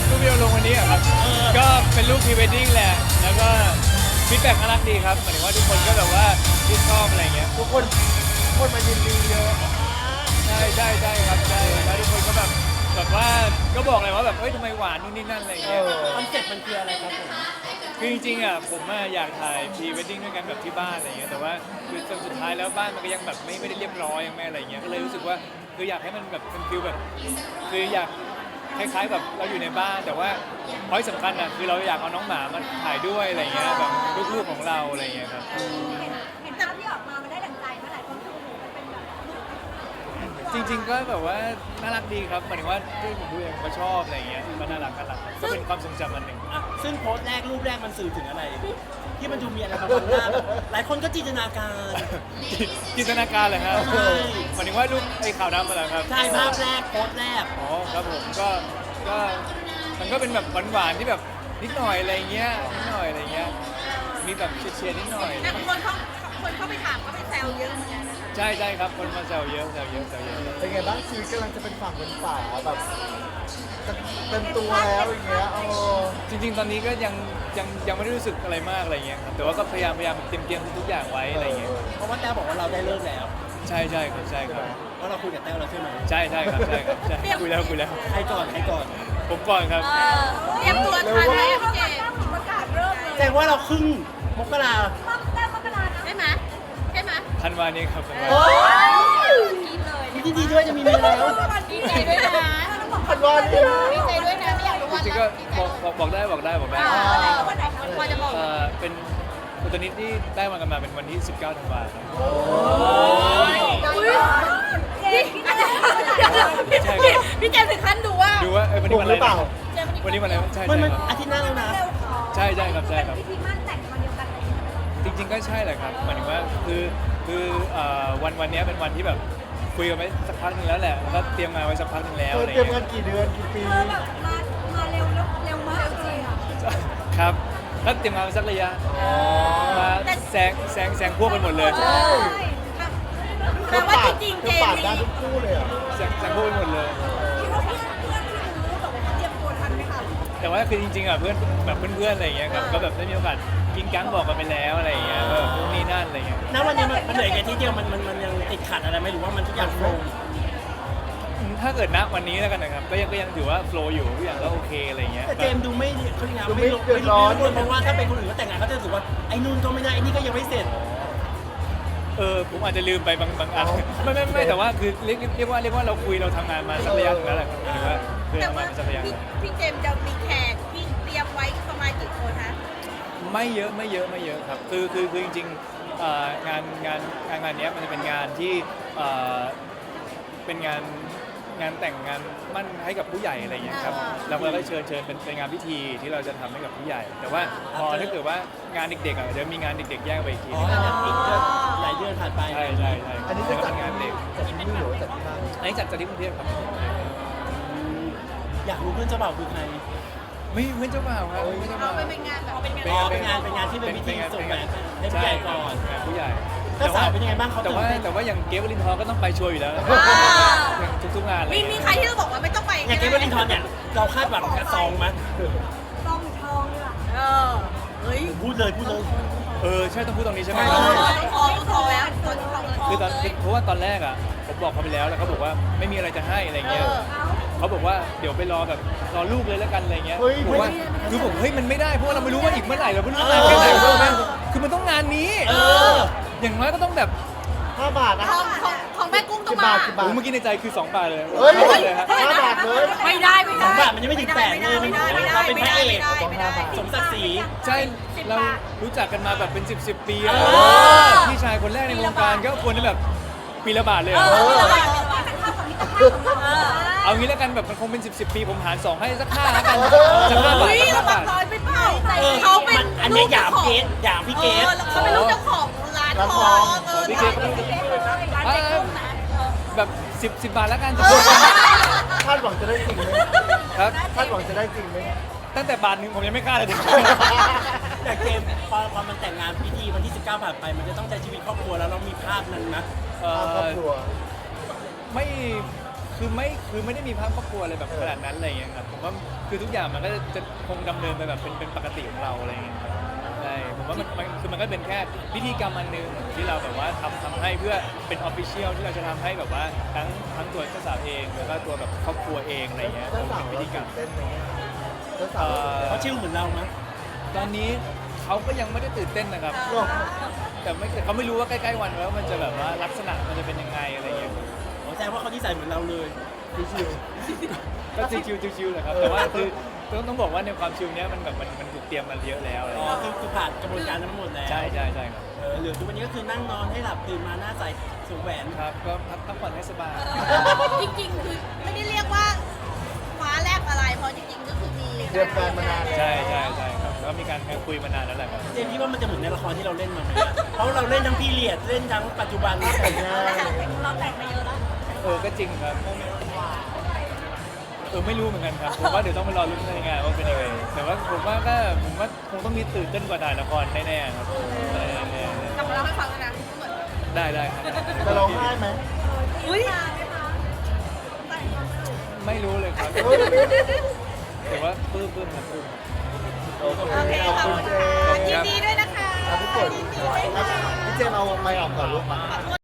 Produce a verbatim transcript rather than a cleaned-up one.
รูปที่เราลงวันนี้อะครับก็เป็นรูปพรีเวดดิ้งแหละแล้วก็ฟีดแบ็กน่ารักดีครับหมายถึงว่าทุกคนก็แบบว่าชื่นชอบอะไรเงี้ยทุกคนทุกคนมายินดีเยอะใช่ใช่ใช่ครับใช่แล้วทุกคนก็แบบแบบว่าก็บอกเลยว่าแบบเฮ้ยทำไมหวานนู่นนี่นั่นอะไรเอเงี้ยอคอนเซ็ปต์มันคืออะไรครับผมคือจริงๆอ่ะผมอะอยากถ่ายพรีเวดดิ้งด้วยกันแบบที่บ้านอะไรเงี้ยแต่ว่าคือจนสุดท้ายแล้วบ้านมันก็ยังแบบไม่ไม่ได้เรียบร้อยยังไม่อะไรเงี้ยก็เลยรู้สึกว่าคืออยากให้มันแบบเป็นฟิลแบบคืออยากคล้ายๆแบบเราอยู่ในบ้านแต่ว่าพอยสำคัญอ่ะคือเราอยากเอาน้องหมามาถ่ายด้วยอะไรเงี้ยแบบลูกๆของเราอะไรเงี้ยครับเห็นภาพที่ออกมามันได้ดั่งใจเมื่อไหร่คนดูมันเป็นแบบจริงๆก็แบบว่าน่ารักดีครับหมายถึงว่าที่ผมดูเองก็ชอบอะไรเงี้ยก็น่ารักน่ารักก็เป็นความทรงจำอันหนึ่งอ่ะซึ่งโพสต์แรกรูปแรกมันสื่อถึงอะไร ที่มันดูมีอะไรบางหน้าแบบหลายคนก็จินตนาการจินตนาการเลยครับใช่หมายถึงว่ารูปไอ้ขาวดำมาแล้วครับใช่ภาพแรกโพสต์แรกอ๋อครับผมก็ก็มันก็เป็นแบบหวานๆที่แบบนิดหน่อยอะไรเงี้ยนิดหน่อยอะไรเงี้ยมีแบบเชียร์ๆนิดหน่อยแต่คนเขาคนเข้าไปถามก็ไปแซวเยอะเหมือนกันนะคะใช่ใช่ครับคนมาแซวเยอะแซวเยอะแซวเยอะเป็นไงบ้างชีวิตกำลังจะเป็นฝั่งเป็นฝาแบบจะเต็มตัวแล้วอย่างเงี้ยเออจริง ๆ ตอนนี้ก็ยังยังยังไม่ได้รู้สึกอะไรมากอะไรเงี้ยครับแต่ว่าก็พยายามพยายามเตรียมเตรียมทุกๆอย่างไว้อะไรเงี้ยเพราะว่าแต้วบอกว่าเราได้เลิกแล้วใช่ใช่ครับใช่ครับเพราะเราคุยกับแต้วแล้วใช่ไหมใช่ใช่ครับใช่ครับใช่คุยแล้วคุยแล้วใครก่อนใครก่อนผมก่อนครับเตรียมตัวทันไหมพี่เจประกาศเริ่มเลยแสดงว่าเราครึ่งมกราแต้มมกราใช่ไหมใช่ไหมธันวานี้ครับธันวาโอ้ยกินเลยยินดีด้วยจะมีเมียแล้วดีใจด้วยนะพันวันนี้นะดีใจด้วยนะไม่อยากรู้จวันริงๆก็บอกบอกบอกได้บอกได้บอกได้วันไหนวันไหนพอจะบอกเอ่อเป็นตัวนี้ที่ได้มากันมาเป็นวันที่สิบเก้าธันวาคมพี่เจมถึงขั้นดูว่าดูว่าเออวันถูนี้กวันหอะไรรือเปล่านะวันนี้วันอะไรใช่มันใช่มันครับอาทิตย์หน้าแล้วนะใช่ใช่ครับใช่ครับพิธีมั่นแต่งมาเดียวกันเลยจริง ๆ ก็ใช่แหละครับหมายถึงว่าคือคือเอ่อวันวันนี้เป็นวันที่แบบคุยกันไว้สักพักหนึงแล้วแหละแล้วก็เตรียมงานไว้สักพักหนึงแล้วเธออะไรเตรียมเงี้เงิยนกี่เดือนกี่ปีเธอแบบมามาเร็วแล้วเร็วมากจริงอ่ะครับก็เตรียมงานไว้สักระยะมาแซงแซงแซงพวกกันหมดเลยใช่แต่ว่าจริงๆเธเจอมปาดส์ได้ทุกคู่เลยเหรอ่ะแซงแซงพวกกันหมดเลยคิดว่าเพื่อนเพื่อนที่รู้แบบว่าเตรียมตัวทันไหมคะแต่ว่าคือจริงๆอ่ะเพื่อนแบบเพื่อนๆอะไรอย่างเงี้ยครับก็แบบได้มีโอกาสกินกังบอกกันไปแล้วอะไรอย่างเงี้ยว่าแบบนู่นนี่นั่นอะไรเงี้ยณวันนี้มันมันเหลือแค่ทีเดียวมันมันมันยังติดขัดอะไรไหมหรือว่ามันทุกอย่างโฟล์อืมถ้าเกิดณวันนี้แล้วกันนะครับก็ยังก็ยังถือว่าโฟล์อยู่ทุกอย่างก็โอเคอะไรเงี้ยแต่เจมส์ดูไม่เขาเรียกไงไม่ลงไม่ลงเพราะว่าถ้าเป็นคนอื่นก็แต่งงานเขาจะรู้สึกว่าไอ้นู่นก็ไม่ได้ไอ้นี่ก็ยังไม่เสร็จเออผมอาจจะลืมไปบางบางอันไม่ไม่ไม่แต่ว่าคือเรียกเรียกว่าเรียกว่าเราคุยเราทำงานมาสักระยะหนึงแล้วแหละครับหมายถึงว่าคือแต่ทำงาว่านมาสักระยะหพี่นึ่งพี่เจมส์จะมีแขกที่เตรียมไว้ประมาณกี่คนคะไม่เยอะไม่เยอะไม่เยอะครับคือคือคือจริงๆเอ่องานงานงานงานเนี้ยมันจะเป็นงานที่เอ่อเป็นงานงานแต่งงานมั่นให้กับผู้ใหญ่อะไรอย่างเงี้ยครับเราก็เลยเชิญเชิญเป็นเป็นงานพิธีที่เราจะทำให้กับผู้ใหญ่ แต่ว่าพอถ้าเกิดว่างานเด็กๆอ่ะเดี๋ยวมีงานเด็กๆแยกไปอีกทีอ๋อนึงอันนั้นอีกเดือนหลายเดือนผ่านไปใช่ใช่ใช่อันนี้แต่จะก็จัดเป็นงานเด็กจัดที่นี่หรือว่าจัดที่บ้านอันนี้จัดจัดที่กรุงเทพครับอยากรู้เพื่อนเจ้าบ่าวคือใครไม่ไม่เจ้าบ่าวครับไม่เจ้าเอาบ่าวไปเป็นงานแบบเป็นงานอ๋อเป็นงานเป็นงานที่เป็นพิธีส่งแหวนให้ผู้ใหญ่ก่อนใช่ผู้ใหญ่เจ้าสาวเป็นยังไงบ้างเขาแต่ว่าตื่นเต้นแต่ว่าอย่างเกฟวลินทอร์ก็ต้องไปชัวร์อยู่แล้วอย่างทุกๆงานอะไรมีมีใครที่เราบอกว่าไม่ต้องไปอย่างเกมเบอร์ลินทอนเนี่ยเราคาดหวังกับซองมั้ยซองทองเลยอ่ะเออเฮ้ยพูดเลยพูดเลยเออใช่ต้องพูดตรงนี้ใช่ไหมทองทองทองแล้วทองทองคือตอนคือเพราะว่าตอนแรกอ่ะผมบอกเขาไปแล้วแล้วเขาบอกว่าไม่มีอะไรจะให้อะไรเงี้ยเขาบอกว่าเดี๋ยวไปรอแบบรอลูกเลยแล้วกันอะไรเงี้ยผมว่าคือผมเฮ้ยมันไม่ได้เพราะว่าเราไม่รู้ว่าอีกเมื่อไหร่เราไม่รู้นานแค่ไหนรู้ไหมคือมันต้องงานนี้เอออย่างน้อยก็ต้องแบบห้าบาทนะทองของของแม่กุ้งต้อกี่งบามาทกี่บาทโอ้เมื่อกี้ในใจคือสองบาทเลยเฮ้ยสองบาทเลยฮะห้าบาทเลยไม่ได้ไม่สได้องบาทมันยังไม่ถึงแสนเลยมันเราเป็นพระเอกไม่ได้สมศักดิ์ศรีใช่เรารู้จักกันมาแบบเป็นสิบสิบปีแล้วเออพี่ชายคนแรกในวงการก็ควรจะแบบปีละบาทเลยเอเหรออเป็นภาพของมิตรภาพของเราเอางี้แล้วกันแบบมันคงเป็นสิบสิบปีผมหารสองให้สักห้าแล้วกันสักห้าบาทเฮ้ยสักระห้าวังบาทน้อยไปเปล่าเออเขาเป็นมันอันเนี้ยหยามเกสหยามพี่เกสเขาเป็นลูกเจ้าของร้านทองเออพี่เกสก็ไม่รู้ร้านเด็กกุ้งนะแบบสิบสิบบาทแล้วกันคาดหวังจะได้จริงไหมครับคาดหวังจะได้จริงไหมตั้งแต่บาทหนึ่งผมยังไม่กล้าเลยแต่เกมพอพอมันแต่งงานพิธีวันที่สิบเก้าผ่านไปมันจะต้องใช้ชีวิตครอบครัวแล้วเรามีภาพนั้นนะเอ่ตามครอบอครัวไม่คือไม่คือไม่ได้มีภาพครอบครัวอะไรแบบขนาดนั้นอะไรอย่างเงี้ยครับผมว่าคือทุกอย่างมันก็จะคงดำเนินไปแบบเป็นเป็นปกติของเราอะไรอย่างเงี้ยครับใช่ผมว่ามันมันคือมันก็เป็นแค่พิธีกรรมอันหนึงที่เราแบบว่าทำทำให้เพื่อเป็นออฟฟิเชียลที่เราจะทำให้แบบว่าทั้งทั้งตัวเจ้าสาวเองแล้วก็ตัวแบบครอบครัวเองอะไรอย่างเงี้ยเจ้าสาวเป็นพิเราธีกรรตื่มนเต้นไหมอะเจ้าสาวเราตื่นเต้นเขาชิลเหมือนเรามั้ยตอนนี้เขาก็ยังไม่ได้ตื่นเต้นนะครับหรอแต่ไม่เขาไม่รู้ว่าใกล้ๆวันแล้วมันจะแบบว่าลักษณะมันจะเป็นยังไงอะไรอย่างเงี้ยผมแสดงว่าเขานิสัยเหมือนเราเลยชิวก็ชิวๆชิวๆแหละครับแต่ว่าคือต้องต้องบอกว่าในความชิวเนี้ยมันแบบมันมันถูกเตรียมมาเยอะแล้วอะไรออ๋ย่างอเงี้ยคือคือผ่านกระบวนการนั้นมาหมดแล้วใช่ใช่ใช่ครับเออเหลือทุกวันนี้ก็คือนั่งนอนให้หลับตื่นมาหน้าใสสวมแหวนครับก็พักพักผ่อนให้สบายจริงๆคือไม่ได้เรียกว่าฟ้าแลบอะไรเพราะจริงๆก็คือมีๆเตรียมการมานานแล้วใช่ใช่ใช่ครับแล้วมีการคุยมานานแล้วแหละครับเจมส์คิดว่ามันจะเหมือนในละครที่เราเล่นมาไหมอะเพราะเราเล่นทั้งพีเรียดเล่นทั้งปัจจุบันแต่งงานเราแต่งมาเยอะแล้วเออก็จริงครับเออไม่รู้เหมือนกันครับผมว่าเดี๋ยวต้องไปรอลุ้นในงานว่าเป็นยังไงแต่ว่าผมว่าก็ผมว่าคงต้องมีตื่นเต้นกว่าถ่ายละครแน่ๆครับแน่ๆกลับมาเล่าให้ฟังแล้วนะเหมือนได้ได้ครับจะร้องไห้ไหมอุ้ยไม่รู้เลยครับเฮ้ยแต่ว่าปลื้มปลื้มครับปลื้มโอเคโอเคขอบขอบคุณคุณเจค่ะมส์ยินดีด้วยนะคะอ่ะพี่ฝนยินดีด้วยค่ะพี่เจมส์เอาไมค์ออกก่อนลูกมาขอบคุณ